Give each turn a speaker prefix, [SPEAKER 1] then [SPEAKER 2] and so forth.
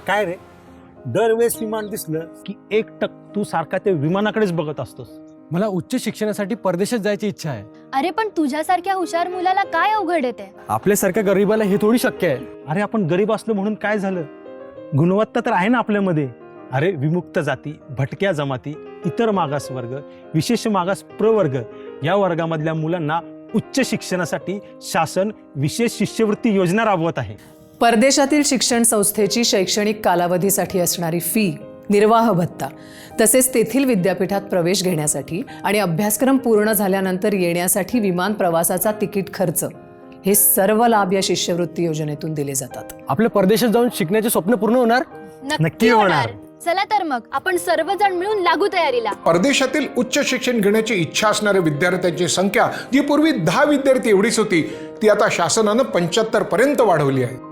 [SPEAKER 1] काय रे, दरवेळेस विमान दिसलं की एकटक तू सारखा ते विमानाकडेच बघत असतोस.
[SPEAKER 2] मला उच्च शिक्षणासाठी परदेशात जायची इच्छा आहे.
[SPEAKER 3] अरे पण तुझ्यासारख्या हुशार मुलाला काय अवघड येते?
[SPEAKER 2] आपल्यासारख्या गरीबाला हे थोडी शक्य आहे.
[SPEAKER 1] अरे आपण गरीब असलो म्हणून काय झालं, गुणवत्ता तर आहे ना आपल्यामध्ये. अरे विमुक्त जाती, भटक्या जमाती, इतर मागास वर्ग, विशेष मागास प्रवर्ग या वर्गामधल्या मुलांना उच्च शिक्षणासाठी शासन विशेष शिष्यवृत्ती योजना राबवत आहे.
[SPEAKER 4] परदेशातील शिक्षण संस्थेची शैक्षणिक कालावधीसाठी असणारी फी, निर्वाह भत्ता तसेच तेथील विद्यापीठात प्रवेश घेण्यासाठी आणि अभ्यासक्रम पूर्ण झाल्यानंतर येण्यासाठी विमान प्रवासाचा तिकीट खर्च हे सर्व लाभ या शिष्यवृत्ती योजनेतून दिले जातात.
[SPEAKER 2] आपल्या परदेशात जाऊन शिकण्याचे स्वप्न पूर्ण होणार.
[SPEAKER 1] नक्की होणार.
[SPEAKER 3] चला तर मग आपण सर्वजण मिळून लागू तयारीला.
[SPEAKER 5] परदेशातील उच्च शिक्षण घेण्याची इच्छा असणाऱ्या विद्यार्थ्यांची संख्या जी पूर्वी 10 विद्यार्थी एवढीच होती ती आता शासनानं 75 पर्यंत वाढवली आहे.